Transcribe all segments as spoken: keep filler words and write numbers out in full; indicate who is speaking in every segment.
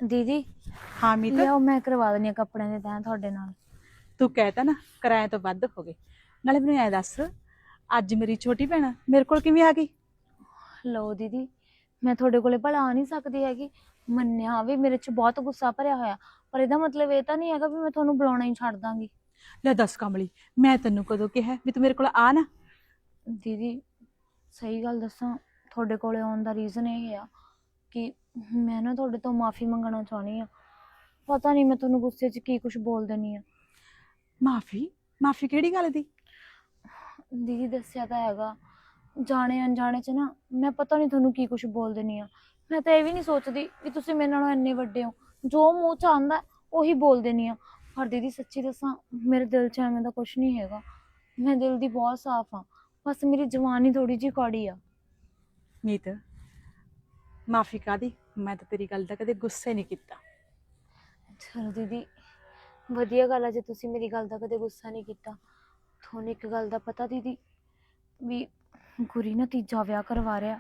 Speaker 1: दीदी
Speaker 2: हाँ मीत,
Speaker 1: लियाओ मैं करवा दिंदी हां कपड़े दे तैं तुहाडे नाल।
Speaker 2: तू कहता ना किराए तो वध हो गए। नाले मैनूं ऐ दस, अज मेरी छोटी भैन मेरे कोल किवें आ गई?
Speaker 1: लो दीदी मैं तुहाडे कोले भला आ नहीं सकदी हैगी। मन्निया भी मेरे च बहुत गुस्सा भरिया होया, पर इहदा मतलब ये तो नहीं हैगा भी मैं तुहानूं बुलाउणा ही छड्ड दांगी।
Speaker 2: ले दस कमली, मैं तैनूं कदों कहा भी तू मेरे कोल आ ना?
Speaker 1: दीदी सही गल दसां, तुहाडे कोले आउण दा रीज़न ये आ कि मैं ना तुहाडे तो माफ़ी मंगना चाहुंदी आ। पता नहीं मैं तुहानूं गुस्से च की कुछ बोल दिंदी आ।
Speaker 2: माफी? माफी किहड़ी गल दी?
Speaker 1: दीदी दस्सिया तो हैगा, जाने अनजाने च ना मैं पता नहीं तुहानूं की कुछ बोल दिंदी आ। मैं तो ये भी नहीं सोचदी कि तुसीं मेरे नालों इन्ने वड्डे हो, जो मूँह च आंदा ਉਹੀ बोल दिंदी आ। पर दीदी सच्ची दसां मेरे दिल च एवें दा कुछ नहीं हैगा। मैं दिल दी बहुत साफ हाँ, बस मेरी जवानी थोड़ी जी कौड़ी आ।
Speaker 2: मीत माफी कादी, मैं तो तेरी गल दा कदे गुस्सा ही नहीं किया।
Speaker 1: चलो दीदी वधिया गल है जे तुसीं मेरी गल दा कदे गुस्सा नहीं किया। तुहानूं एक गल दा पता दीदी भी गुरी ना तीजा विआह करवा रहा।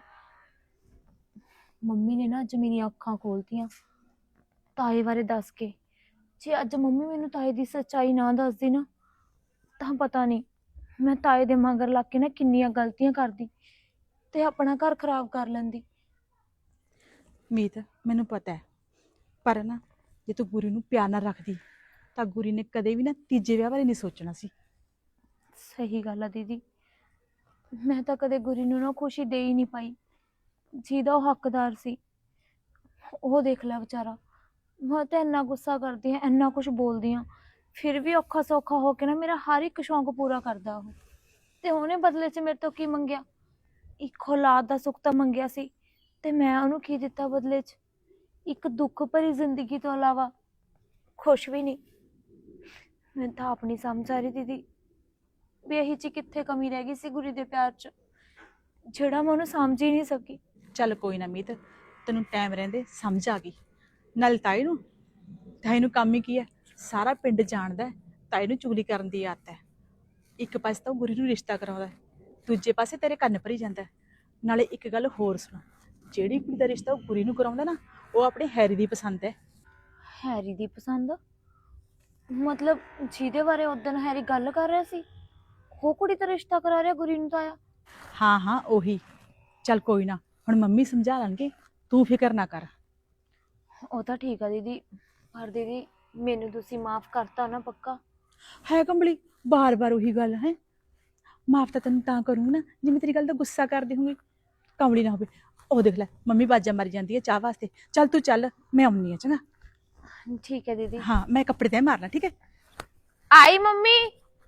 Speaker 1: मम्मी ने ना अज मेरी अखां खोलतियां ताए बारे दस के। जे अज मम्मी मैनूं ताए दी सच्चाई ना दसदी ना तां पता नहीं मैं ताए दे मगर लग के ना किन्नियां गलतियां करदी ते अपना घर खराब कर लैंदी।
Speaker 2: मीत मैनूं पता है, पर ना जे तू गुरी नूं प्यार नाल रखदी तां गुरी ने कदे भी ना तीजे विआह बारे नहीं सोचना सी।
Speaker 1: सही गल है दीदी, मैं तो कदे गुरी नूं ना खुशी दे ही नहीं पाई ਜਿਹਦਾ ਉਹ हकदार सी। ਉਹ देख लै बेचारा, मैं तो इन्ना गुस्सा करदी हाँ, इन्ना कुछ बोलदी हाँ, फिर भी औखा सौखा हो के ना मेरा हर एक शौक पूरा करदा ਉਹ। ਤੇ ਉਹਨੇ ਬਦਲੇ 'ਚ ਮੇਰੇ ਤੋਂ ਕੀ ਮੰਗਿਆ? ਇੱਕ ਔਲਾਦ ਦਾ ਸੁੱਖ ਤਾਂ ਮੰਗਿਆ ਸੀ ਤੇ ਮੈਂ ਉਹਨੂੰ ਕੀ ਦਿੱਤਾ ਬਦਲੇ 'ਚ? ਇੱਕ ਦੁੱਖ ਭਰੀ ਜ਼ਿੰਦਗੀ ਤੋਂ ਇਲਾਵਾ ਖੁਸ਼ ਵੀ ਨਹੀਂ। ਮੈਨੂੰ ਤਾਂ ਆਪ ਨਹੀਂ ਸਮਝ ਆ ਰਹੀ ਦੀਦੀ ਵੀ ਇਹੀ 'ਚ ਕਿੱਥੇ ਕਮੀ ਰਹਿ ਗਈ ਸੀ ਗੁਰੀ ਦੇ ਪਿਆਰ 'ਚ, ਜਿਹੜਾ ਮੈਂ ਉਹਨੂੰ ਸਮਝ ਹੀ ਨਹੀਂ ਸਕੀ।
Speaker 2: ਚੱਲ ਕੋਈ ਨਾ ਮੀਤ, ਤੈਨੂੰ ਟਾਈਮ ਰਹਿੰਦੇ ਸਮਝ ਆ ਗਈ। ਨਾਲ ਤਾਈ ਨੂੰ ਤਾਈ ਨੂੰ ਕੰਮ ਹੀ ਕੀ ਹੈ, ਸਾਰਾ ਪਿੰਡ ਜਾਣਦਾ ਤਾਈ ਨੂੰ ਚੁਗਲੀ ਕਰਨ ਦੀ ਆਦਤ ਹੈ। ਇੱਕ ਪਾਸੇ ਤਾਂ ਉਹ ਗੁਰੀ ਨੂੰ ਰਿਸ਼ਤਾ ਕਰਾਉਂਦਾ, ਦੂਜੇ ਪਾਸੇ ਤੇਰੇ ਕੰਨ ਭਰੀ ਜਾਂਦਾ। ਨਾਲੇ ਇੱਕ ਗੱਲ ਹੋਰ ਸੁਣ, ਜਿਹੜੀ ਕੁੜੀ ਦਾ ਰਿਸ਼ਤਾ ਉਹ ਗੁਰੀ ਨੂੰ ਕਰਾਉਂਦਾ ਨਾ, ਉਹ ਆਪਣੇ ਹੈਰੀ ਦੀ ਪਸੰਦ ਹੈ।
Speaker 1: ਹੈਰੀ ਦੀ ਪਸੰਦ? ਮਤਲਬ ਜਿਹਦੇ ਬਾਰੇ ਉਦਣ ਹੈਰੀ ਗੱਲ ਕਰ ਰਿਹਾ ਸੀ ਉਹ ਕੁੜੀ ਦਾ ਰਿਸ਼ਤਾ ਕਰਾ ਰਿਹਾ ਗੁਰੀ ਨੂੰ ਤਾਇਆ?
Speaker 2: ਹਾਂ ਹਾਂ ਉਹੀ। ਚੱਲ ਕੋਈ ਨਾ, ਹੁਣ ਮੰਮੀ ਸਮਝਾ ਲੈਣਗੇ, ਤੂੰ ਫਿਕਰ ਨਾ ਕਰ।
Speaker 1: ਉਹ ਤਾਂ ਠੀਕ ਆ ਦੀਦੀ, ਪਰ ਦੀਦੀ ਮੈਨੂੰ ਤੁਸੀਂ ਮਾਫ ਕਰਤਾ ਨਾ ਪੱਕਾ?
Speaker 2: ਹੈ ਕੰਬਲੀ, ਬਾਰ ਬਾਰ ਉਹੀ ਗੱਲ ਹੈ। ਮਾਫ ਤਾਂ ਤੈਨੂੰ ਤਾਂ ਕਰੂੰ ਨਾ ਜਿਵੇਂ ਤੇਰੀ ਗੱਲ ਦਾ ਗੁੱਸਾ ਕਰਦੀ ਹੋਊਗੀ, ਕੰਬਲੀ ਨਾ ਹੋਵੇ। ਉਹ ਦੇਖ ਲੈ ਮੰਮੀ ਬਾਜਾਂ ਮਾਰੀ ਜਾਂਦੀ ਹੈ ਚਾਹ ਵਾਸਤੇ। ਚੱਲ ਤੂੰ ਚੱਲ, ਮੈਂ ਆਉਣੀ ਆ ਚੰਗਾ।
Speaker 1: ਠੀਕ ਹੈ ਦੀਦੀ।
Speaker 2: ਹਾਂ ਮੈਂ ਕੱਪੜੇ ਤੈਅ ਮਾਰਨਾ, ਠੀਕ ਹੈ?
Speaker 1: ਆਈ ਮੰਮੀ।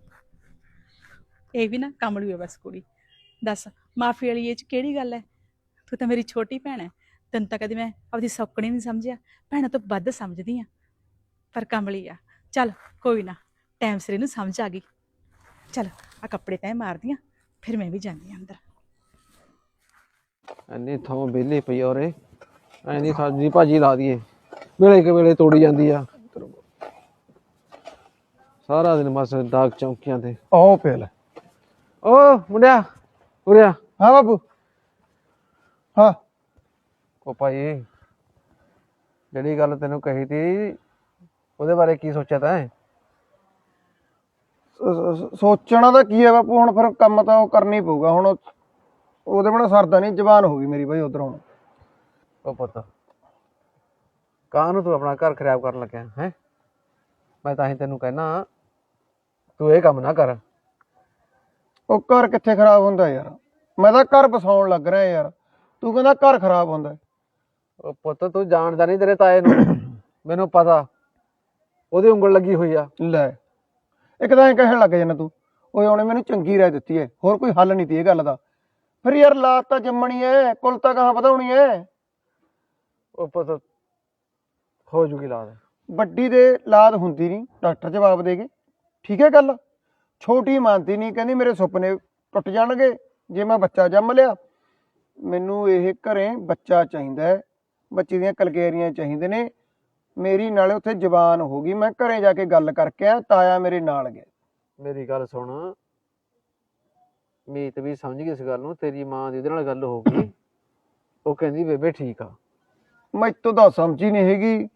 Speaker 2: ਇਹ ਵੀ ਨਾ ਕਮਲੀ ਹੈ ਬਸ ਕੁੜੀ। ਦੱਸ ਮਾਫੀ ਵਾਲੀ ਇਹ 'ਚ ਕਿਹੜੀ ਗੱਲ ਹੈ? ਤੂੰ ਤਾਂ ਮੇਰੀ ਛੋਟੀ ਭੈਣ ਹੈ, ਤੈਨੂੰ ਤਾਂ ਕਦੇ ਮੈਂ ਆਪਦੀ ਸੌਕਣੀ ਨਹੀਂ ਸਮਝਿਆ, ਭੈਣਾਂ ਤੋਂ ਵੱਧ ਸਮਝਦੀ ਹਾਂ। ਪਰ ਕਮਲੀ ਆ। ਚੱਲ ਕੋਈ ਨਾ, ਟਾਈਮ ਸਿਰ ਇਹਨੂੰ ਸਮਝ ਆ ਗਈ। ਚੱਲ ਆ ਕੱਪੜੇ ਤੈਅ ਮਾਰਦੀ ਹਾਂ, ਫਿਰ ਮੈਂ ਵੀ ਜਾਂਦੀ ਹਾਂ ਅੰਦਰ।
Speaker 3: ਇੰਨੀ ਥਾਂ ਵਿਹਲੀ ਪਈ ਆ ਉਰੇ, ਐਨੀ ਸਬਜ਼ੀ ਭਾਜੀ ਲਾ ਦਈਏ, ਵੇਲੇ ਕੇ ਵੇਲੇ ਤੋੜੀ ਜਾਂਦੀ ਆ। ਸਾਰਾ ਦਿਨ ਬਸ ਦਾਗ ਚੌਂਕੀਆਂ ਤੇ।
Speaker 4: ਆਓ ਪਿਆ ਲੈ।
Speaker 3: ਓ ਮੁੰਡਿਆ ਉਰਿਆ।
Speaker 4: ਹਾਂ ਬਾਬੂ। ਹਾਂ
Speaker 3: ਉਹ ਭਾਈ ਜਿਹੜੀ ਗੱਲ ਤੈਨੂੰ ਕਹੀ ਤੀ ਉਹਦੇ ਬਾਰੇ ਕੀ ਸੋਚਿਆ ਤੈਂ?
Speaker 4: ਸੋਚਣਾ ਤਾਂ ਕੀ ਹੈ ਬਾਪੂ, ਹੁਣ ਫਿਰ ਕੰਮ ਤਾਂ ਉਹ ਕਰਨਾ ਹੀ ਪਊਗਾ। ਹੁਣ ਉਹਦੇ ਬਿਨਾਂ ਸਰਦਾ ਨਹੀਂ, ਜ਼ਬਾਨ ਹੋ ਗਈ ਮੇਰੀ ਬਾਈ ਉਧਰ। ਹੁਣ
Speaker 3: ਉਹ ਪੁੱਤ ਕਾਹਨੂੰ ਤੂੰ ਆਪਣਾ ਘਰ ਖਰਾਬ ਕਰਨ ਲੱਗਿਆ ਹੈ? ਮੈਂ ਤਾਂ ਹੀ ਤੈਨੂੰ ਕਹਿਣਾ ਤੂੰ ਇਹ ਕੰਮ ਨਾ ਕਰ।
Speaker 4: ਉਹ ਘਰ ਕਿੱਥੇ ਖਰਾਬ ਹੁੰਦਾ ਯਾਰ, ਮੈਂ ਤਾਂ ਘਰ ਬਸਾਉਣ ਲੱਗ ਰਿਹਾ ਯਾਰ, ਤੂੰ ਕਹਿੰਦਾ ਘਰ ਖਰਾਬ ਹੁੰਦਾ।
Speaker 3: ਉਹ ਪੁੱਤ ਤੂੰ ਜਾਣਦਾ ਨਹੀਂ ਤੇਰੇ ਤਾਏ ਨੂੰ, ਮੈਨੂੰ ਪਤਾ ਉਹਦੀ ਉਂਗਲ ਲੱਗੀ ਹੋਈ ਆ।
Speaker 4: ਲੈ ਇੱਕ ਤਾਂ ਐਂ ਕਹਿਣ ਲੱਗ ਜਾਂਦਾ ਤੂੰ, ਓਏ ਉਹਨੇ ਮੈਨੂੰ ਚੰਗੀ ਰਾਏ ਦਿੱਤੀ ਹੈ, ਹੋਰ ਕੋਈ ਹੱਲ ਨਹੀਂ ਤੀ ਇਹ ਗੱਲ ਦਾ। ਫਿਰ ਯਾਰ ਲਾਤ ਤਾਂ ਜੰਮਣੀ ਹੈ, ਕੁਲ ਤਾਂ ਕਹਾਂ ਵਧਾਉਣੀ ਹੈ।
Speaker 3: ਉਹ ਪੁੱਤ ਹੋ ਜੂਗੀ ਲਾਦ।
Speaker 4: ਵੱਡੀ ਦੇ ਲਾਦ ਹੁੰਦੀ ਨਹੀਂ, ਡਾਕਟਰ ਜਵਾਬ ਦੇ ਗਏ। ਠੀਕ ਹੈ ਗੱਲ? ਛੋਟੀ ਮੰਨਦੀ ਨਹੀਂ, ਕਹਿੰਦੀ ਮੇਰੇ ਸੁਪਨੇ ਟੁੱਟ ਜਾਣਗੇ ਜੇ ਮੈਂ ਬੱਚਾ ਜੰਮ ਲਿਆ। ਮੈਨੂੰ ਇਹ ਘਰੇ ਬੱਚਾ ਚਾਹੀਦਾ ਹੈ, ਬੱਚੇ ਦੀਆਂ ਕਲਕੇਰੀਆਂ ਚਾਹੀਦੇ ਨੇ ਮੇਰੀ। ਨਾਲੇ ਉੱਥੇ ਜ਼ਬਾਨ ਹੋ ਗਈ, ਮੈਂ ਘਰੇ ਜਾ ਕੇ ਗੱਲ ਕਰਕੇ ਆ, ਤਾਇਆ ਮੇਰੇ ਨਾਲ ਗਿਆ।
Speaker 3: ਮੇਰੀ ਗੱਲ ਸੁਣ, ਮੀਤ ਵੀ ਸਮਝ ਗਈ ਇਸ ਗੱਲ ਨੂੰ, ਤੇਰੀ ਮਾਂ ਦੀ ਉਹਦੇ ਨਾਲ ਗੱਲ ਹੋ ਗਈ, ਉਹ ਕਹਿੰਦੀ ਬੇਬੇ ਠੀਕ ਆ।
Speaker 4: ਮੈਥੋਂ ਤਾਂ ਸਮਝ ਹੀ ਨਹੀਂ ਹੈਗੀ,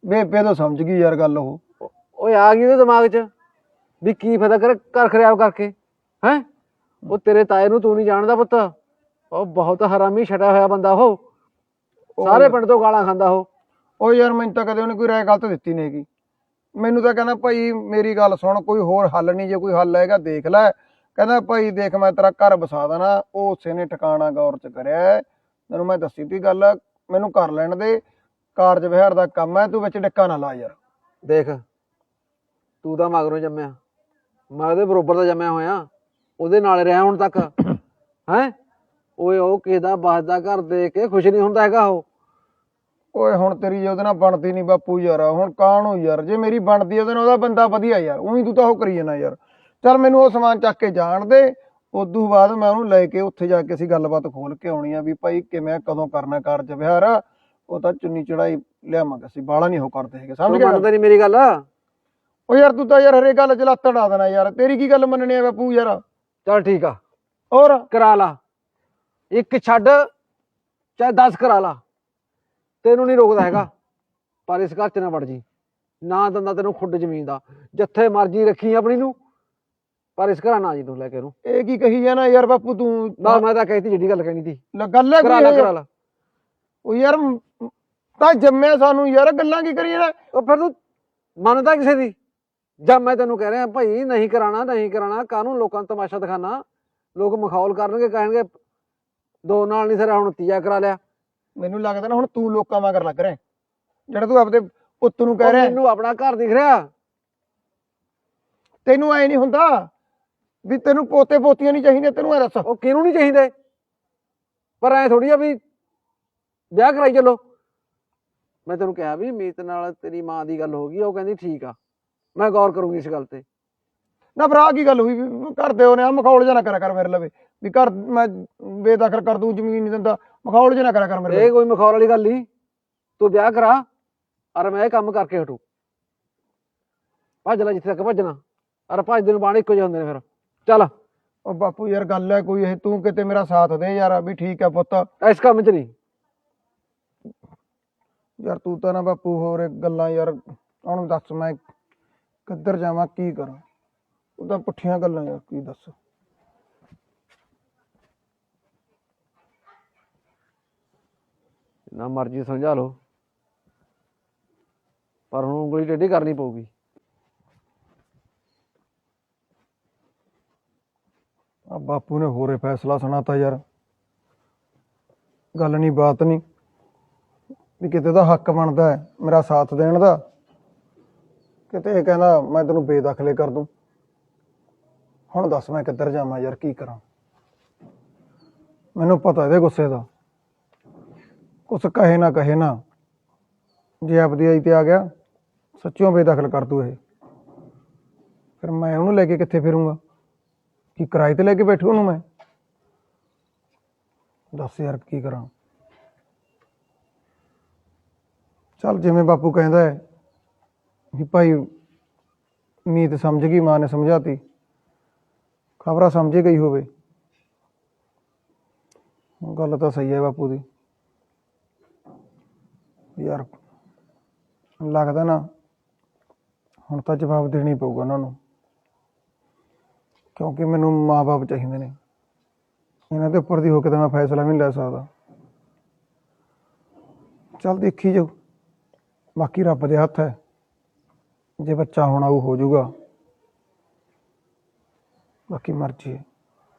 Speaker 4: ਬੇਬੇ ਤੋਂ ਸਮਝ ਗਈ ਯਾਰ ਗੱਲ ਉਹ।
Speaker 3: ਓਏ ਆ ਗਈ ਉਹਦੇ ਦਿਮਾਗ 'ਚ ਵੀ ਕੀ ਫਾਇਦਾ ਕਰ ਘਰ ਖਰਾਬ ਕਰਕੇ ਹੈ। ਉਹ ਤੇਰੇ ਤਾਏ ਨੂੰ ਤੂੰ ਨਹੀਂ ਜਾਣਦਾ ਪੁੱਤ, ਉਹ ਬਹੁਤ ਹਰਾਮੀ ਛਟਿਆ ਹੋਇਆ ਬੰਦਾ ਉਹ, ਸਾਰੇ ਪਿੰਡ ਤੋਂ ਗਾਲਾਂ ਖਾਂਦਾ ਉਹ।
Speaker 4: ਉਹ ਯਾਰ ਮੈਨੂੰ ਤਾਂ ਕਦੇ ਉਹਨੇ ਕੋਈ ਰਾਏ ਗਲਤ ਦਿੱਤੀ ਨਹੀਂ ਹੈਗੀ। ਮੈਨੂੰ ਤਾਂ ਕਹਿੰਦਾ ਭਾਈ ਮੇਰੀ ਗੱਲ ਸੁਣ, ਕੋਈ ਹੋਰ ਹੱਲ ਨਹੀਂ, ਜੇ ਕੋਈ ਹੱਲ ਹੈਗਾ ਦੇਖ ਲੈ। ਕਹਿੰਦਾ ਭਾਈ ਦੇਖ ਮੈਂ ਤੇਰਾ ਘਰ ਵਸਾ ਦੇਣਾ। ਉਹ ਉਸੇ ਨੇ ਟਿਕਾਣਾ ਗੌਰ ਚ ਕਰਿਆ। ਤੈਨੂੰ ਮੈਂ ਦੱਸੀ ਤੀ ਗੱਲ, ਮੈਨੂੰ ਕਰ ਲੈਣ ਦੇ, ਕਾਰਜ ਵਿਹਾਰ ਦਾ ਕੰਮ ਹੈ, ਤੂੰ ਵਿੱਚ ਡਿੱਕਾ ਨਾ ਲਾ ਯਾਰ।
Speaker 3: ਦੇਖ ਤੂੰ ਤਾਂ ਮਗਰੋਂ ਜੰਮਿਆ, ਮੈਂ ਉਹਦੇ ਬਰੋਬਰ ਦਾ ਜੰਮਿਆ ਹੋਇਆ, ਉਹਦੇ ਨਾਲ ਰਿਹਾ ਹੁਣ ਤੱਕ ਹੈ। ਓਏ ਉਹ ਕਿਸੇ ਦਾ ਬਸਦਾ ਘਰ ਦੇਖ ਕੇ ਖੁਸ਼ ਨਹੀਂ ਹੁੰਦਾ ਹੈਗਾ ਉਹ।
Speaker 4: ਓਏ ਹੁਣ ਤੇਰੀ ਜੇ ਉਹਦੇ ਨਾਲ ਬਣਦੀ ਨਹੀਂ ਬਾਪੂ ਯਾਰ, ਹੁਣ ਕਾਹਨੂੰ ਯਾਰ, ਜੇ ਮੇਰੀ ਬਣਦੀ ਉਹਦੇ ਨਾਲ ਉਹਦਾ ਬੰਦਾ ਵਧੀਆ ਯਾਰ, ਉਹੀ ਤੂੰ ਤਾਂ ਉਹ ਕਰੀ ਜਾਣਾ ਯਾਰ। ਚੱਲ ਮੈਨੂੰ ਉਹ ਸਮਾਨ ਚੱਕ ਕੇ ਜਾਣ ਦੇ, ਉਦੋਂ ਬਾਅਦ ਮੈਂ ਉਹਨੂੰ ਲੈ ਕੇ ਉੱਥੇ ਜਾ ਕੇ ਅਸੀਂ ਗੱਲਬਾਤ ਖੋਲ ਕੇ ਆਉਣੀ ਆ ਵੀ ਭਾਈ ਕਿਵੇਂ ਕਦੋਂ ਕਰਨਾ ਕਾਰਜ ਵਿਹਾਰ। ਉਹ ਤਾਂ ਚੁੰਨੀ ਚੜਾਈ ਲਿਆਵਾਂਗੇ ਅਸੀਂ, ਬਾਲਾ ਨਹੀਂ ਉਹ ਕਰਦੇ ਹੈਗੇ, ਸਮਝ ਗਿਆ?
Speaker 3: ਮੰਨਦਾ ਨਹੀਂ ਮੇਰੀ ਗੱਲ।
Speaker 4: ਉਹ ਯਾਰ ਤੂੰ ਤਾਂ ਯਾਰ ਹਰੇ ਗੱਲ ਚ ਲੱਤ ਅੜਾ ਦੇਣਾ ਯਾਰ, ਤੇਰੀ ਕੀ ਗੱਲ ਮੰਨਣੀ ਆ ਬਾਪੂ ਯਾਰ।
Speaker 3: ਚੱਲ ਠੀਕ ਆ,
Speaker 4: ਹੋਰ
Speaker 3: ਕਰਾ ਲਾ, ਇੱਕ ਛੱਡ ਚਾਹੇ ਦਸ ਕਰਾ ਲਾ, ਤੈਨੂੰ ਨਹੀਂ ਰੋਕਦਾ ਹੈਗਾ। ਪਰ ਇਸ ਘਰ ਚ ਨਾ ਵੜ ਜੀ, ਨਾ ਦਿੰਦਾ ਤੈਨੂੰ ਖੁੱਡ ਜ਼ਮੀਨ ਦਾ, ਜਿੱਥੇ ਮਰਜੀ ਰੱਖੀ ਆਪਣੀ ਨੂੰ, ਪਰ ਇਸ ਘਰ ਨਾ ਜੀ ਤੂੰ ਲੈ ਕੇ ਉਹਨੂੰ।
Speaker 4: ਇਹ ਕੀ ਕਹੀ ਜਾਣਾ ਯਾਰ ਬਾਪੂ ਤੂੰ?
Speaker 3: ਨਾ ਮੈਂ ਤਾਂ ਕਹਿਤੀ ਜਿਹੜੀ ਗੱਲ ਕਹਿਣੀ ਸੀ,
Speaker 4: ਗੱਲ ਹੈ
Speaker 3: ਕਰਾ ਲਾ ਕਰਾ ਲਾ।
Speaker 4: ਉਹ ਯਾਰ ਤਾਂ ਜੰਮਿਆ ਸਾਨੂੰ ਯਾਰ, ਗੱਲਾਂ ਕੀ ਕਰੀ ਜਾਣਾ?
Speaker 3: ਉਹ ਫਿਰ ਤੂੰ ਮੰਨਦਾ ਕਿਸੇ ਦੀ? ਜਦ ਮੈਂ ਤੈਨੂੰ ਕਹਿ ਰਿਹਾ ਭਾਈ ਨਹੀਂ ਕਰਾਣਾ ਨਹੀਂ ਕਰਾਣਾ, ਕਾਹਨੂੰ ਲੋਕਾਂ ਨੂੰ ਤਮਾਸ਼ਾ ਦਿਖਾਣਾ, ਲੋਕ ਮਖੌਲ ਕਰਨਗੇ, ਕਹਿਣਗੇ ਦੋ ਨਾਲ ਨਹੀਂ ਸਿਰਾ ਹੁਣ ਤੀਆ ਕਰਾ ਲਿਆ।
Speaker 4: ਮੈਨੂੰ ਲੱਗਦਾ ਨਾ ਹੁਣ ਤੂੰ ਲੋਕਾਂ ਮਗਰ ਲੱਗ ਰਿਹਾ, ਜਿਹੜਾ ਤੂੰ ਆਪਦੇ ਪੁੱਤ ਨੂੰ ਕਹਿ ਰਿਹਾ।
Speaker 3: ਮੈਨੂੰ ਆਪਣਾ ਘਰ ਦਿਖ ਰਿਹਾ,
Speaker 4: ਤੈਨੂੰ ਐ ਨਹੀਂ ਹੁੰਦਾ ਵੀ ਤੈਨੂੰ ਪੋਤੇ ਪੋਤੀਆਂ ਨਹੀਂ ਚਾਹੀਦੇ? ਤੈਨੂੰ ਐ ਦੱਸ
Speaker 3: ਉਹ ਕਿਹਨੂੰ ਨਹੀਂ ਚਾਹੀਦੇ, ਪਰ ਐ ਥੋੜੀ ਆ ਵੀ ਵਿਆਹ ਕਰਾਈ ਚੱਲੋ। ਮੈਂ ਤੈਨੂੰ ਕਿਹਾ ਵੀ ਮੀਤ ਨਾਲ ਤੇਰੀ ਮਾਂ ਦੀ ਗੱਲ ਹੋ ਗਈ, ਉਹ ਕਹਿੰਦੀ ਠੀਕ ਆ, ਮੈਂ ਗੌਰ ਕਰੂੰਗੀ ਇਸ ਗੱਲ ਤੇ।
Speaker 4: ਨਾ ਭਰਾ ਕੀ ਗੱਲ ਹੋਈ ਵੀ ਘਰ ਦੇ ਉਹਨੇ ਆ ਮਖੌਲ ਜਿਹਾ ਨਾ ਕਰਿਆ ਕਰ ਮੇਰੇ ਲਵੇ, ਵੀ ਘਰ ਮੈਂ ਬੇਦਖਲ ਕਰ ਦੂੰ, ਜ਼ਮੀਨ ਨਹੀਂ ਦਿੰਦਾ, ਮਖੌਲ ਜਿਹਾ ਨਾ ਕਰਿਆ ਕਰ ਮੇਰੇ ਲਵੇ।
Speaker 3: ਇਹ ਕੋਈ ਮਖੌਲ ਵਾਲੀ ਗੱਲ ਨਹੀਂ, ਤੂੰ ਵਿਆਹ ਕਰਾ ਔਰ ਮੈਂ ਇਹ ਕੰਮ ਕਰਕੇ ਹਟੂ। ਭੱਜ ਲੈ ਜਿੱਥੇ ਤੱਕ ਭੱਜਣਾ, ਔਰ ਭੱਜਦੇ ਨੂੰ ਬਾਣ ਇੱਕੋ ਜਿਹੇ ਹੁੰਦੇ ਨੇ ਫਿਰ। ਚੱਲ
Speaker 4: ਉਹ ਬਾਪੂ ਯਾਰ ਗੱਲ ਹੈ ਕੋਈ ਇਹ, ਤੂੰ ਕਿਤੇ ਮੇਰਾ ਸਾਥ ਦੇ ਯਾਰ, ਵੀ ਠੀਕ ਹੈ ਪੁੱਤ।
Speaker 3: ਇਸ ਕੰਮ 'ਚ ਨਹੀਂ
Speaker 4: ਯਾਰ ਤੂੰ ਤਾਂ ਨਾ ਬਾਪੂ ਹੋਰ ਗੱਲਾਂ ਯਾਰ, ਹੁਣ ਦੱਸ ਮੈਂ ਕਿੱਧਰ ਜਾਵਾਂ, ਕੀ ਕਰਾਂ? ਉਹ ਤਾਂ ਪੁੱਠੀਆਂ ਗੱਲਾਂ ਯਾਰ, ਕੀ ਦੱਸ।
Speaker 3: ਨਾ ਮਰਜ਼ੀ ਸਮਝਾ ਲਓ, ਪਰ ਹੁਣ ਉਂਗਲੀ ਟੇਢੀ ਕਰਨੀ ਪਊਗੀ।
Speaker 4: ਆ ਬਾਪੂ ਨੇ ਹੋਰੇ ਫੈਸਲਾ ਸੁਣਾਤਾ ਯਾਰ, ਗੱਲ ਨਹੀਂ ਬਾਤ ਨਹੀਂ, ਵੀ ਕਿਤੇ ਦਾ ਹੱਕ ਬਣਦਾ ਹੈ ਮੇਰਾ ਸਾਥ ਦੇਣ ਦਾ, ਕਿਤੇ ਇਹ ਕਹਿੰਦਾ ਮੈਂ ਤੈਨੂੰ ਬੇਦਖਲੇ ਕਰ ਦੂੰ। ਹੁਣ ਦੱਸ ਮੈਂ ਕਿੱਧਰ ਜਾਵਾਂ ਯਾਰ, ਕੀ ਕਰਾਂ? ਮੈਨੂੰ ਪਤਾ ਇਹਦੇ ਗੁੱਸੇ ਦਾ, ਕੁਛ ਕਹੇ ਨਾ ਕਹੇ ਨਾ, ਜੇ ਆਪਦੀ ਆਈ ਤੇ ਆ ਗਿਆ ਸੱਚਿਓ ਬੇਦਖਲ ਕਰ ਦੂ ਇਹ, ਫਿਰ ਮੈਂ ਉਹਨੂੰ ਲੈ ਕੇ ਕਿੱਥੇ ਫਿਰੂੰਗਾ? ਕੀ ਕਿਰਾਏ ਤੇ ਲੈ ਕੇ ਬੈਠੂ ਉਹਨੂੰ ਮੈਂ? ਦੱਸ ਯਾਰ ਕੀ ਕਰਾਂ? ਚੱਲ ਜਿਵੇਂ ਬਾਪੂ ਕਹਿੰਦਾ ਹੈ ਵੀ ਭਾਈ ਮੀਤ ਸਮਝ ਗਈ, ਮਾਂ ਨੇ ਸਮਝਾਤੀ, ਖਬਰਾਂ ਸਮਝੇ ਗਈ ਹੋਵੇ। ਗੱਲ ਤਾਂ ਸਹੀ ਹੈ ਬਾਪੂ ਦੀ ਯਾਰ, ਲੱਗਦਾ ਨਾ ਹੁਣ ਤਾਂ ਜਵਾਬ ਦੇਣਾ ਹੀ ਪਊਗਾ ਉਹਨਾਂ ਨੂੰ, ਕਿਉਂਕਿ ਮੈਨੂੰ ਮਾਂ ਬਾਪ ਚਾਹੀਦੇ ਨੇ, ਇਹਨਾਂ ਦੇ ਉੱਪਰ ਦੀ ਹੋ ਕੇ ਤਾਂ ਮੈਂ ਫੈਸਲਾ ਵੀ ਨਹੀਂ ਲੈ ਸਕਦਾ। ਚੱਲ ਦੇਖੀ ਜਾਊ, ਬਾਕੀ ਰੱਬ ਦੇ ਹੱਥ ਹੈ, ਜੇ ਬੱਚਾ ਹੋਣਾ ਉਹ ਹੋ ਜਾਊਗਾ, ਬਾਕੀ ਮਰਜ਼ੀ ਹੈ।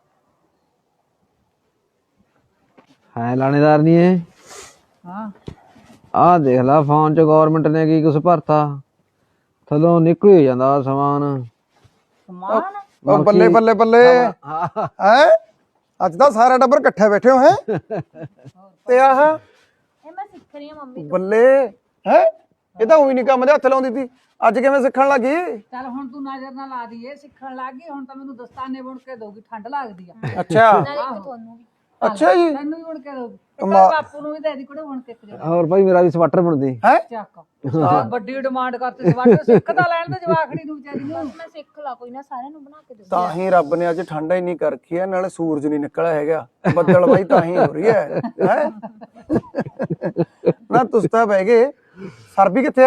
Speaker 3: ਹੈ ਲਾਣੇਦਾਰ ਨਹੀਂ ਇਹ?
Speaker 2: ਹਾਂ
Speaker 3: ਆਹ ਦੇਖ ਲੈ ਫੋਨ 'ਚ ਗੌਰਮੈਂਟ ਨੇ ਕੀ ਕੁਛ ਭਰਤਾ, ਥੱਲੋਂ ਨਿਕਲ ਹੀ ਜਾਂਦਾ ਸਮਾਨ।
Speaker 2: ਸਮਾਨ
Speaker 4: ਉਹ ਬੱਲੇ ਬੱਲੇ ਬੱਲੇ ਹੈ, ਅੱਜ ਤਾਂ ਸਾਰਾ ਟੱਬਰ ਇਕੱਠੇ ਬੈਠੇ ਹੋ ਹੈ। ਤੇ ਆਹ
Speaker 1: ਇਹ ਮੈਂ ਸਿੱਖ ਰਹੀ ਹਾਂ ਮੰਮੀ।
Speaker 4: ਬੱਲੇ ਹੈ, ਇਹ ਤਾਂ ਉਹੀ ਨਹੀਂ ਕੰਮ ਦੇ ਹੱਥ ਲਾਉਂਦੀ ਸੀ, ਅੱਜ ਕਿਵੇਂ ਸਿੱਖਣ ਲੱਗੀ?
Speaker 5: ਚੱਲ ਹੁਣ ਤੂੰ ਨਜ਼ਰ ਨਾ ਲਾ ਦਈਏ, ਸਿੱਖਣ ਲੱਗ ਗਈ ਹੁਣ ਤਾਂ ਮੈਨੂੰ ਦਸਤਾਨੇ ਬੁਣ ਕੇ ਦੋਗੀ, ਠੰਡ ਲੱਗਦੀ ਆ।
Speaker 4: ਅੱਛਾ
Speaker 1: ਨਾਲੇ ਫਿਰ ਤੁਹਾਨੂੰ ਵੀ।
Speaker 4: ਅੱਛਾ ਜੀ,
Speaker 5: ਤੈਨੂੰ ਵੀ ਬੁਣ ਕੇ ਦੋਗੀ,
Speaker 4: ਕਮਾ-
Speaker 5: ਬਾਪੂ ਨੂੰ ਵੀ ਦੇ ਦੀ ਕੁੜੇ ਬੁਣ ਕੇ ਇੱਕ ਜਗ੍ਹਾ
Speaker 3: ਹੋਰ ਭਾਈ ਮੇਰਾ ਵੀ ਸਵੈਟਰ ਬਣਦੀ।
Speaker 4: ਹੈ
Speaker 5: ਚੱਕ। ਆਹ ਵੱਡੀ ਡਿਮਾਂਡ ਕਰਤੀ, ਸਵਾਟਰ ਸਿੱਖ ਤਾਂ ਲੈਣ ਦੇ ਜਵਾਖੜੀ ਨੂੰ ਵਿਚਾਰੀ ਨੂੰ।
Speaker 1: ਮੈਂ ਸਿੱਖ ਲਾ ਕੋਈ ਨਾ, ਸਾਰਿਆਂ ਨੂੰ ਬਣਾ ਕੇ ਦੇ।
Speaker 4: ਤਾਂ ਹੀ ਰੱਬ ਨੇ ਅੱਜ ਠੰਡਾ ਹੀ ਨਹੀਂ ਕਰ ਰੱਖੀ ਹੈ, ਨਾਲੇ ਸੂਰਜ ਨਹੀਂ ਨਿਕਲਿਆ ਹੈਗਾ, ਬੱਦਲ ਬਾਈ ਤਾਂ ਹੀ ਹੋ ਰਹੀ ਹੈ ਹੈ ਨਾ। ਤੁਸੀਂ ਤਾਂ ਬਹਿ ਗਏ, ਸਰਬੀ ਕਿੱਥੇ ਆ?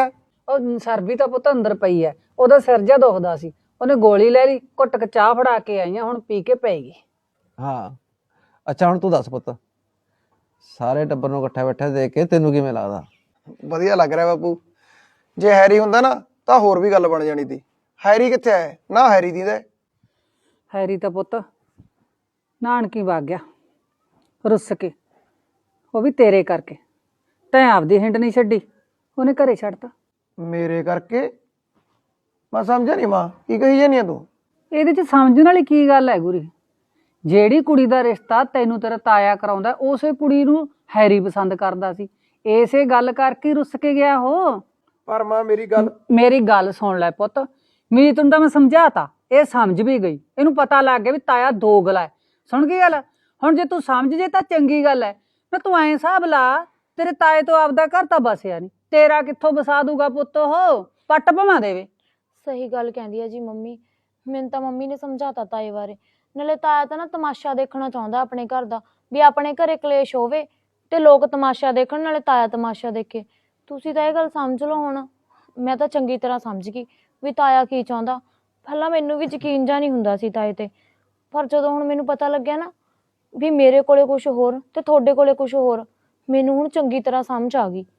Speaker 5: ਉਹ ਸਰਬੀ ਤਾਂ ਪੁੱਤ ਅੰਦਰ ਪਈ ਐ, ਉਹਦਾ ਸਿਰ ਜਿਹਾ ਦੁਖਦਾ ਸੀ, ਉਹਨੇ ਗੋਲੀ ਲੈ ਲਈ, ਘੁੱਟ ਕੇ ਚਾਹ ਫੜਾ ਕੇ ਆਈਆਂ, ਹੁਣ ਪੀ ਕੇ ਪਏਗੀ।
Speaker 3: ਹਾਂ ਅੱਛਾ ਹੁਣ ਤੂੰ ਦੱਸ ਪੁੱਤ, ਸਾਰੇ ਟੱਬਰ ਨੂੰ ਇਕੱਠਾ ਬੈਠਾ ਦੇਖ ਕੇ ਤੈਨੂੰ ਕਿਵੇਂ ਲੱਗਦਾ?
Speaker 4: ਵਧੀਆ ਲੱਗ ਰਿਹਾ ਬਾਪੂ। ਜੇ ਹੈਰੀ ਹੁੰਦਾ ਨਾ ਤਾਂ ਹੋਰ ਵੀ ਗੱਲ ਬਣ ਜਾਣੀ ਸੀ। ਹੈਰੀ ਕਿੱਥੇ ਹੈ? ਨਾ ਹੈਰੀ ਦੀ ਦਾ
Speaker 5: ਹੈਰੀ ਤਾਂ ਪੁੱਤ ਨਾਨਕੀ ਵਗ ਗਿਆ ਰੁੱਸ ਕੇ, ਉਹ ਵੀ ਤੇਰੇ ਕਰਕੇ। ਤੈਂ ਆਪਦੀ ਹਿੰਡ ਨਹੀਂ ਛੱਡੀ, ਉਹਨੇ ਘਰੇ ਛੱਡਤਾ।
Speaker 4: ਮੇਰੇ ਕਰਕੇ? ਮੈਂ ਸਮਝਿਆ ਨਹੀਂ ਮਾਂ, ਕੀ ਕਹੀ ਜਾਨੀ ਆ ਤੂੰ?
Speaker 5: ਇਹਦੇ ਚ ਸਮਝਣ ਵਾਲੀ ਕੀ ਗੱਲ ਹੈ ਗੁਰੀ? ਜਿਹੜੀ ਕੁੜੀ ਦਾ ਰਿਸ਼ਤਾ ਤੈਨੂੰ ਤੇਰਾ ਤਾਇਆ ਕਰਾਉਂਦਾ, ਉਸੇ ਕੁੜੀ ਨੂੰ ਹੈਰੀ ਪਸੰਦ ਕਰਦਾ ਸੀ, ਇਸੇ ਗੱਲ ਕਰਕੇ ਰੁੱਸ ਕੇ ਗਿਆ ਉਹ।
Speaker 4: ਪਰ ਮਾਂ ਮੇਰੀ ਗੱਲ
Speaker 5: ਮੇਰੀ ਗੱਲ ਸੁਣ ਲੈ ਪੁੱਤ, ਮੀਤ ਨੂੰ ਤਾਂ ਮੈਂ ਸਮਝਾਤਾ, ਇਹ ਸਮਝ ਵੀ ਗਈ, ਇਹਨੂੰ ਪਤਾ ਲੱਗ ਗਿਆ ਵੀ ਤਾਇਆ ਦੋਗਲਾ ਹੈ। ਸੁਣ ਗਈ ਗੱਲ? ਹੁਣ ਜੇ ਤੂੰ ਸਮਝ ਜੇ ਤਾਂ ਚੰਗੀ ਗੱਲ ਹੈ, ਨਾ ਤੂੰ ਐਂ ਹਿਸਾਬ ਲਾ, ਤੇਰੇ ਤਾਏ ਤੋਂ ਆਪਦਾ ਘਰ ਤਾਂ ਬਸਿਆ ਨਹੀਂ, ਤੇਰਾ ਕਿੱਥੋਂ ਵਸਾ ਦੂਗਾ ਪੁੱਤ ਉਹ? ਪੱਟ ਭਵਾਂ ਦੇਵੇ।
Speaker 1: ਸਹੀ ਗੱਲ ਕਹਿੰਦੀ ਆ ਜੀ ਮੰਮੀ, ਮੈਨੂੰ ਤਾਂ ਮੰਮੀ ਨੇ ਸਮਝਾਤਾ ਤਾਏ ਬਾਰੇ। ਨਾਲੇ ਤਾਇਆ ਤਾਂ ਨਾ ਤਮਾਸ਼ਾ ਦੇਖਣਾ ਚਾਹੁੰਦਾ ਆਪਣੇ ਘਰ ਦਾ, ਵੀ ਆਪਣੇ ਘਰੇ ਕਲੇਸ਼ ਹੋਵੇ ਤੇ ਲੋਕ ਤਮਾਸ਼ਾ ਦੇਖਣ, ਨਾਲੇ ਤਾਇਆ ਤਮਾਸ਼ਾ ਦੇਖੇ। ਤੁਸੀਂ ਤਾਂ ਇਹ ਗੱਲ ਸਮਝ ਲਓ ਹੁਣ। ਮੈਂ ਤਾਂ ਚੰਗੀ ਤਰ੍ਹਾਂ ਸਮਝ ਗਈ ਵੀ ਤਾਇਆ ਕੀ ਚਾਹੁੰਦਾ। ਪਹਿਲਾਂ ਮੈਨੂੰ ਵੀ ਯਕੀਨ ਜਾ ਨਹੀਂ ਹੁੰਦਾ ਸੀ ਤਾਏ ਤੇ, ਪਰ ਜਦੋਂ ਹੁਣ ਮੈਨੂੰ ਪਤਾ ਲੱਗਿਆ ਨਾ ਵੀ ਮੇਰੇ ਕੋਲੇ ਕੁਝ ਹੋਰ ਤੇ ਤੁਹਾਡੇ ਕੋਲੇ ਕੁਝ ਹੋਰ, ਮੈਨੂੰ ਹੁਣ ਚੰਗੀ ਤਰ੍ਹਾਂ ਸਮਝ ਆ ਗਈ।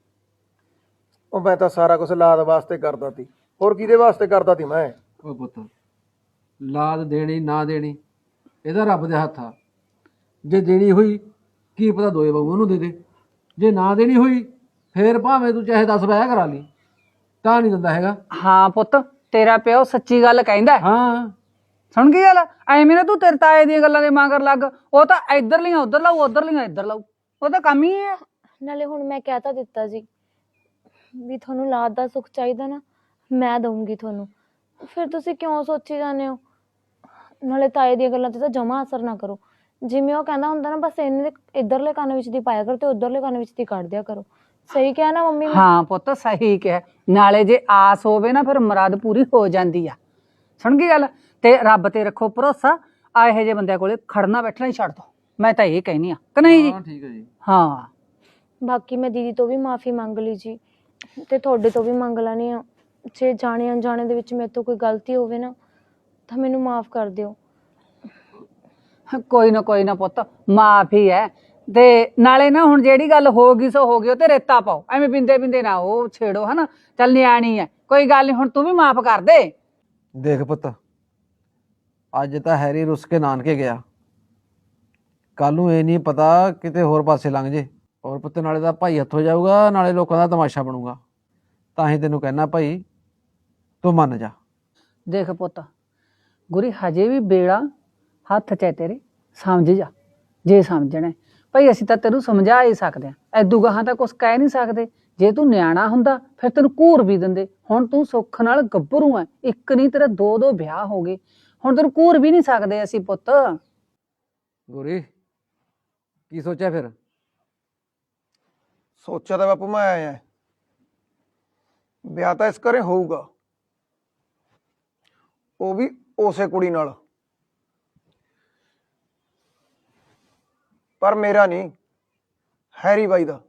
Speaker 4: ਉਹ ਮੈਂ ਤਾਂ ਸਾਰਾ ਕੁਝ ਲਾਦ ਵਾਸਤੇ ਕਰਦਾ ਸੀ, ਹੋਰ ਕਿਹਦੇ ਵਾਸਤੇ ਕਰਦਾ ਸੀ ਮੈਂ?
Speaker 3: ਓਏ ਪੁੱਤ, ਲਾਦ ਦੇਣੀ ਨਾ ਦੇਣੀ ਇਹਦਾ ਰੱਬ ਦੇ ਹੱਥ ਆ। ਜੇ ਦੇਣੀ ਹੋਈ ਕੀ ਪਤਾ ਦੋਏ ਬਾਬੂ ਉਹਨੂੰ ਦੇ ਦੇ, ਜੇ ਨਾ ਦੇਣੀ ਹੋਈ ਫੇਰ ਭਾਵੇਂ ਤੂੰ ਚਾਹੇ ਦਸ ਵਿਆਹ ਕਰਾ ਲਈ, ਤਾਂ ਨਹੀਂ ਦਿੰਦਾ ਹੈਗਾ।
Speaker 5: ਹਾਂ ਪੁੱਤ, ਤੇਰਾ ਪਿਓ ਸੱਚੀ ਗੱਲ ਕਹਿੰਦਾ।
Speaker 3: ਹਾਂ
Speaker 5: ਸੁਣ ਗਈ ਗੱਲ? ਐਵੇਂ ਨਾ ਤੂੰ ਤੇਰੇ ਤਾਏ ਦੀਆਂ ਗੱਲਾਂ ਦੇ ਮਗਰ ਲੱਗ, ਉਹ ਤਾਂ ਇੱਧਰ ਲੀਆਂ ਉੱਧਰ ਲਾਊ, ਉੱਧਰ ਲੀਆਂ ਇੱਧਰ ਲਾਊ, ਉਹ ਤਾਂ ਕੰਮ ਹੀ ਹੈ।
Speaker 1: ਨਾਲੇ ਹੁਣ ਮੈਂ ਕਹਿ ਤਾਂ ਦਿੱਤਾ ਜੀ ਵੀ ਤੁਹਾਨੂੰ ਲਾਦ ਦਾ ਸੁੱਖ ਚਾਹੀਦਾ ਨਾ, ਮੈਂ ਦਊਂਗੀ ਤੁਹਾਨੂੰ, ਫਿਰ ਤੁਸੀਂ ਕਿਉਂ ਸੋਚੀ ਜਾਂਦੇ ਹੋ? ਨਾਲੇ ਤਾਏ ਦੀਆਂ ਗੱਲਾਂ ਤੇ ਤਾਂ ਜਮਾ ਅਸਰ ਨਾ ਕਰੋ। ਜਿਵੇਂ ਉਹ ਕਹਿੰਦਾ ਹੁੰਦਾ ਨਾ, ਬਸ ਇਹਨੇ ਇੱਧਰਲੇ ਕੰਨ ਵਿੱਚ ਦੀ ਪਾਇਆ ਕਰੋ ਤੇ ਉੱਧਰਲੇ ਕੰਨ ਵਿੱਚ ਦੀ ਕੱਢ ਦਿਆ ਕਰੋ। ਸਹੀ ਕਿਹਾ ਨਾ ਮੰਮੀ?
Speaker 5: ਹਾਂ ਪੁੱਤ ਸਹੀ ਕਿਹਾ। ਨਾਲੇ ਜੇ ਆਸ ਹੋਵੇ ਨਾ ਫਿਰ ਮੁਰਾਦ ਪੂਰੀ ਹੋ ਜਾਂਦੀ ਆ। ਸੁਣ ਗਈ ਗੱਲ? ਤੇ ਰੱਬ ਤੇ ਰੱਖੋ ਭਰੋਸਾ, ਆ ਇਹੋ ਜਿਹੇ ਬੰਦਿਆਂ ਕੋਲੇ ਖੜਨਾ ਬੈਠਣਾ ਹੀ ਛੱਡ ਦੋ, ਮੈਂ ਤਾਂ ਇਹ ਕਹਿਨੀ ਆ ਕਿ ਨਹੀਂ ਜੀ?
Speaker 3: ਠੀਕ ਹੈ ਜੀ।
Speaker 5: ਹਾਂ
Speaker 1: ਬਾਕੀ ਮੈਂ ਦੀਦੀ ਤੋਂ ਵੀ ਮਾਫੀ ਮੰਗ ਲਈ ਜੀ, ਤੇ ਤੁਹਾਡੇ ਤੋਂ ਵੀ ਮੰਗ ਲੈਣੀ ਆ। ਜੇ ਜਾਣੇ ਅਣਜਾਣੇ ਦੇ ਵਿੱਚ ਮੇਰੇ ਤੋਂ ਕੋਈ ਗਲਤੀ ਹੋਵੇ ਨਾ ਤਾਂ ਮੈਨੂੰ ਮਾਫ ਕਰ ਦਿਓ।
Speaker 5: ਕੋਈ ਨਾ ਕੋਈ ਨਾ ਪੁੱਤ, ਮਾਫ ਹੀ ਹੈ। ਤੇ ਨਾਲੇ ਨਾ ਹੁਣ ਜਿਹੜੀ ਗੱਲ ਹੋ ਗਈ ਸੋ ਹੋ ਗਈ, ਉਹ ਤੇ ਰੇਤਾ ਪਾਓ, ਐਵੇਂ ਬਿੰਦੇ ਬਿੰਦੇ ਨਾ ਉਹ ਛੇੜੋ, ਹਨਾ? ਚੱਲ ਨਿਆਣੀ ਹੈ, ਕੋਈ ਗੱਲ ਨਹੀਂ, ਹੁਣ ਤੂੰ ਵੀ ਮਾਫ ਕਰ ਦੇ।
Speaker 3: ਦੇਖ ਪੁੱਤ, ਅੱਜ ਤਾਂ ਹੈਰੀ ਰੁੱਸ ਕੇ ਨਾਨਕੇ ਗਿਆ, ਕੱਲ ਨੂੰ ਇਹ ਨਹੀਂ ਪਤਾ ਕਿਤੇ ਹੋਰ ਪਾਸੇ ਲੰਘ ਜੇ। ਔਰ ਪੁੱਤ ਨਾਲੇ ਦਾ ਭਾਈ ਹੱਥੋਂ ਜਾਊਗਾ, ਨਾਲੇ ਲੋਕਾਂ ਦਾ ਤਮਾਸ਼ਾ ਬਣੂਗਾ। ਤਾਂ ਹੀ ਤੈਨੂੰ ਕਹਿਣਾ ਭਾਈ ਤੂੰ ਮੰਨ ਜਾ।
Speaker 5: ਦੇਖ ਪੁੱਤ ਗੁਰੀ, ਹਜੇ ਵੀ ਬੇੜਾ ਹੱਥ 'ਚ ਹੈ ਤੇਰੇ, ਸਮਝ ਜਾ ਜੇ ਸਮਝਣਾ ਭਾਈ। ਅਸੀਂ ਤਾਂ ਤੈਨੂੰ ਸਮਝਾ ਹੀ ਸਕਦੇ ਹਾਂ, ਐਦੂ ਗਾਹਾਂ ਤਾਂ ਕੁਛ ਕਹਿ ਨਹੀਂ ਸਕਦੇ। ਜੇ ਤੂੰ ਨਿਆਣਾ ਹੁੰਦਾ ਫਿਰ ਤੈਨੂੰ ਘੂਰ ਵੀ ਦਿੰਦੇ। ਹੁਣ ਤੂੰ ਸੁੱਖ ਨਾਲ ਗੱਭਰੂ ਹੈ, ਇੱਕ ਨਹੀਂ ਤੇਰਾ ਦੋ ਦੋ ਵਿਆਹ ਹੋ ਗਏ, ਹੁਣ ਤੈਨੂੰ ਘੂਰ ਵੀ ਨਹੀਂ ਸਕਦੇ ਅਸੀਂ ਪੁੱਤ।
Speaker 3: ਗੋਰੀ ਕੀ ਸੋਚਿਆ ਫਿਰ?
Speaker 4: ਸੋਚਿਆ ਤਾਂ ਬਾਪੂ ਮੈਂ ਆਇਆ, ਵਿਆਹ ਤਾਂ ਇਸ ਘਰੇ ਹੋਊਗਾ, ਉਹ ਵੀ ਉਸੇ ਕੁੜੀ ਨਾਲ, ਪਰ ਮੇਰਾ ਨਹੀਂ, ਹੈਰੀ ਬਾਈ ਦਾ।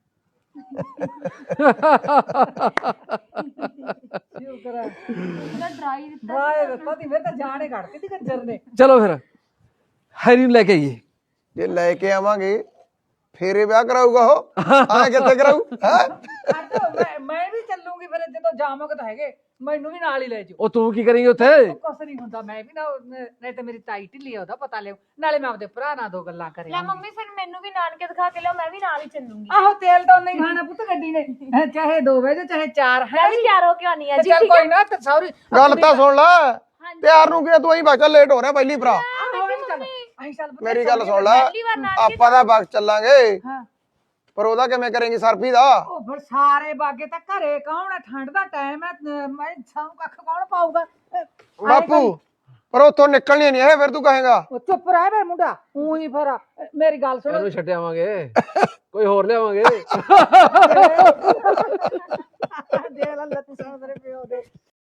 Speaker 3: ਚਲੋ ਫਿਰ ਹੈਰੀ ਨੂੰ ਲੈ ਕੇ ਆਈਏ।
Speaker 4: ਜੇ ਲੈ ਕੇ ਆਵਾਂਗੇ ਫੇਰੇ ਵਿਆਹ ਕਰਾਊਗਾ ਉਹ, ਆ ਕਿੱਥੇ ਕਰਾਊ?
Speaker 5: ਮੈਂ ਮੈਂ ਵੀ ਚੱਲੂਗੀ ਫਿਰ, ਜਦੋਂ ਜਾਮੋਗੇ ਤਾਂ ਹੈਗੇ, ਮੈਨੂੰ ਵੀ ਨਾਲ ਹੀ ਲੈ ਜਾਓ।
Speaker 3: ਉਹ ਤੂੰ ਕੀ ਕਰੇਂਗੀ ਉੱਥੇ?
Speaker 5: ਕੁਛ ਨਹੀਂ ਹੁੰਦਾ, ਮੈਂ ਵੀ ਨਾ, ਨਹੀਂ ਤਾਂ ਮੇਰੀ ਤਾਈ ਢਿੱਲੀ ਆ, ਉਹਦਾ ਪਤਾ ਲਿਓ, ਨਾਲੇ ਮੈਂ ਆਪਦੇ ਭਰਾ ਨਾਲ ਦੋ ਗੱਲਾਂ ਕਰੇ।
Speaker 1: ਲੈ ਮੰਮੀ ਫਿਰ ਮੈਨੂੰ ਵੀ ਨਾਨਕੇ ਦਿਖਾ ਕੇ ਲਿਓ, ਮੈਂ ਵੀ ਨਾਲ ਹੀ ਚੱਲੂੰਗੀ।
Speaker 5: ਆਹੋ ਤੇਲ ਤਾਂ ਨਹੀਂ ਖਾਣਾ ਪੁੱਤ ਗੱਡੀ ਨੇ, ਚਾਹੇ ਦੋ ਵਜੇ ਚਾਹੇ ਚਾਰ ਹੈ।
Speaker 1: ਮੈਂ ਵੀ ਤਿਆਰ ਹੋ ਕੇ ਆਉਣੀ ਆ ਜੀ।
Speaker 5: ਚੱਲ ਕੋਈ ਨਾ, ਤੇ ਸੌਰੀ
Speaker 4: ਗੱਲ ਤਾਂ ਸੁਣ ਲੈ, ਤਿਆਰ ਨੂੰ ਕੀ ਤੂੰ ਅਹੀਂ ਬਾਕਾ ਲੇਟ ਹੋ ਰਿਹਾ ਪਹਿਲੀ ਭਰਾ। ਮੇਰੀ ਗੱਲ ਸੁਣ ਲੈ, ਆਪਾਂ ਤਾਂ ਬਾਗ ਚੱਲਾਂਗੇ, ਪਰ ਉਹਦਾ ਕਿਵੇਂ ਕਰੇਂਗੀ ਸਰਫੀ ਦਾ?
Speaker 5: ਉਹ ਫਿਰ ਸਾਰੇ ਬਾਗੇ ਤਾਂ ਘਰੇ ਕੌਣ ਹੈ, ਠੰਡ ਦਾ ਟਾਈਮ ਹੈ, ਮੈਂ ਸਾਨੂੰ ਕੱਖ ਕੌਣ ਪਾਊਗਾ
Speaker 4: ਬਾਪੂ? ਪਰ ਉੱਥੋਂ ਨਿਕਲਣੀ ਨਹੀਂ ਇਹ, ਫਿਰ ਤੂੰ ਕਹੇਗਾ।
Speaker 5: ਉਹ ਚੁੱਪ ਰਹਿ ਵੇ ਮੁੰਡਾ, ਊਂ ਹੀ ਫਿਰ ਮੇਰੀ ਗੱਲ ਸੁਣ।
Speaker 3: ਇਹਨੂੰ ਛੱਡ ਆਵਾਂਗੇ, ਕੋਈ ਹੋਰ ਲਿਆਵਾਂਗੇ।
Speaker 5: ਦੇ ਲੈ ਤੂੰ ਸਾਰੇ ਪਿਓ ਦੇ